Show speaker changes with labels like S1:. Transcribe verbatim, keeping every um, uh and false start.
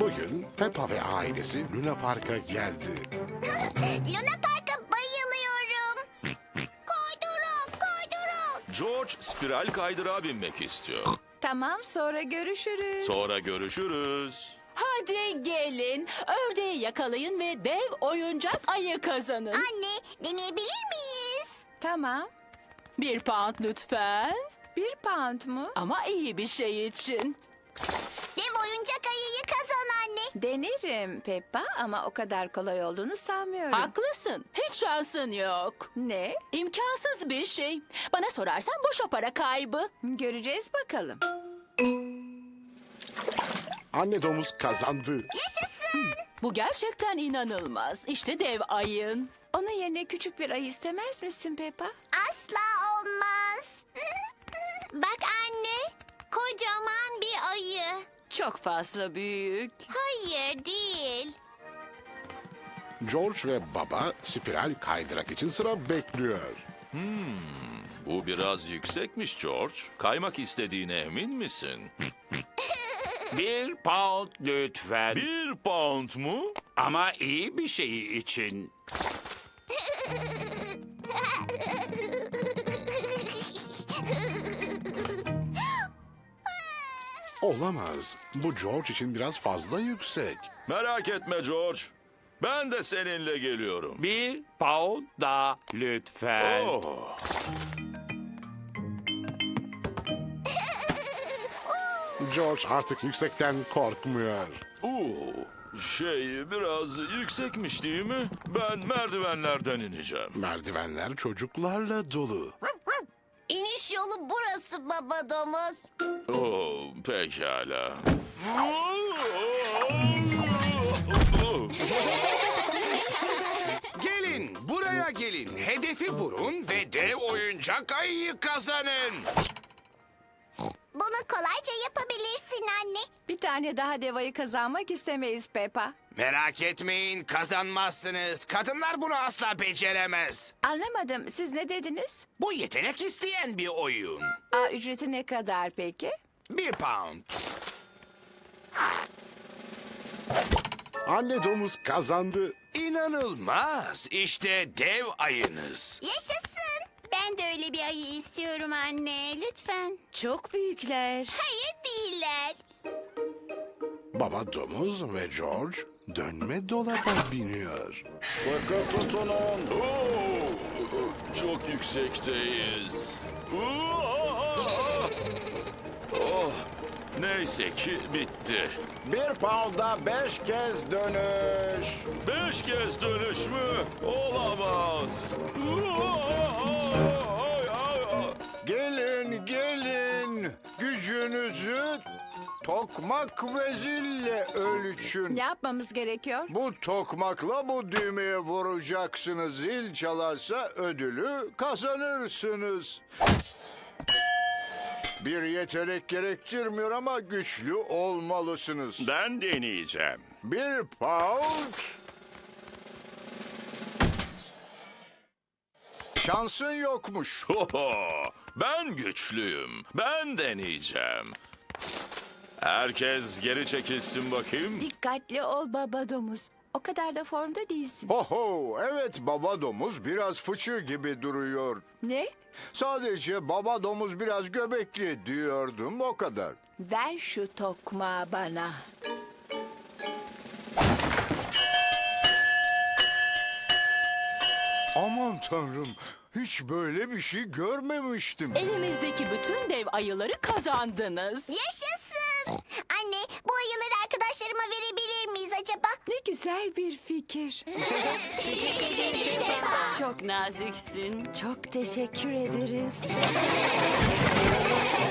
S1: Bugün Peppa ve ailesi Luna Park'a geldi.
S2: Luna Park'a bayılıyorum. Kaydırak, kaydırak.
S3: George spiral kaydırağa binmek istiyor.
S4: Tamam, sonra görüşürüz.
S3: Sonra görüşürüz.
S5: Hadi gelin, ördeği yakalayın ve dev oyuncak ayı kazanın.
S2: Anne, deneyebilir miyiz?
S4: Tamam.
S5: Bir pound lütfen.
S4: Bir pound mu?
S5: Ama iyi bir şey için.
S2: Dev oyuncak ayıyı kazan anne.
S4: Denerim Peppa ama o kadar kolay olduğunu sanmıyorum.
S5: Haklısın, hiç şansın yok.
S4: Ne?
S5: İmkansız bir şey. Bana sorarsan boş o para kaybı.
S4: Göreceğiz bakalım.
S1: Anne domuz kazandı.
S2: Yaşasın.
S5: Bu gerçekten inanılmaz. İşte dev ayın.
S4: Onun yerine küçük bir ayı istemez misin Peppa?
S2: Asla olmaz. Bak anne, kocaman bir ayı.
S5: Çok fazla büyük.
S2: Hayır değil.
S1: George ve baba spiral kaydırak için sıra bekliyor.
S3: Bu biraz yüksekmiş George. Kaymak istediğine emin misin?
S6: Bir pound lütfen.
S3: Bir pound mu?
S6: Ama iyi bir şey için.
S1: Olamaz. Bu George için biraz fazla yüksek.
S3: Merak etme George. Ben de seninle geliyorum.
S6: Bir pound daha lütfen.
S3: Oh.
S1: George artık yüksekten korkmuyor.
S3: Oo. Şey biraz yüksekmiş değil mi? Ben merdivenlerden ineceğim.
S1: Merdivenler çocuklarla dolu.
S2: İniş yolu burası baba domuz.
S3: Oo, pekala.
S7: Gelin, buraya gelin. Hedefi vurun ve dev oyuncak ayıyı kazanın.
S2: Bunu kolayca yapabilirsin anne.
S4: Bir tane daha dev ayı kazanmak istemeyiz Peppa.
S7: Merak etmeyin, kazanmazsınız. Kadınlar bunu asla beceremez.
S4: Anlamadım. Siz ne dediniz?
S7: Bu yetenek isteyen bir oyun.
S4: Aa, ücreti ne kadar peki?
S7: Bir pound.
S1: Anne domuz kazandı.
S7: İnanılmaz. İşte dev ayınız.
S2: Yaşasın. Ben de öyle bir ayı istiyorum anne. Lütfen.
S4: Çok büyükler.
S2: Hayır değiller.
S1: Baba domuz ve George dönme dolaba biniyor.
S3: Sıkı tutunun. Oo, çok yüksekteyiz. Oh, neyse ki bitti.
S8: Bir pound'a beş kez dönüş.
S3: Beş kez dönüş mü? Olamaz.
S8: Gelin gelin. Gücünüzü tokmak ve zille ölçün.
S4: Ne yapmamız gerekiyor?
S8: Bu tokmakla bu düğmeye vuracaksınız. Zil çalarsa ödülü kazanırsınız. Bir yetenek gerektirmiyor ama güçlü olmalısınız.
S6: Ben deneyeceğim.
S8: Bir pound. Şansın yokmuş.
S3: Hoho, ben güçlüyüm. Ben deneyeceğim. Herkes geri çekilsin bakayım.
S4: Dikkatli ol baba domuz. O kadar da formda değilsin.
S8: Oho, evet baba domuz biraz fıçı gibi duruyor.
S4: Ne?
S8: Sadece baba domuz biraz göbekli diyordum, o kadar.
S4: Ver şu tokmağı bana.
S8: Aman tanrım, hiç böyle bir şey görmemiştim.
S5: Elimizdeki bütün dev ayıları kazandınız.
S2: Yaşasın. Anne, bu ayıları arkadaşlarıma verebilir miyiz acaba?
S4: Ne güzel bir fikir.
S2: Teşekkür ederim Peppa.
S5: Çok naziksin.
S4: Çok teşekkür ederiz.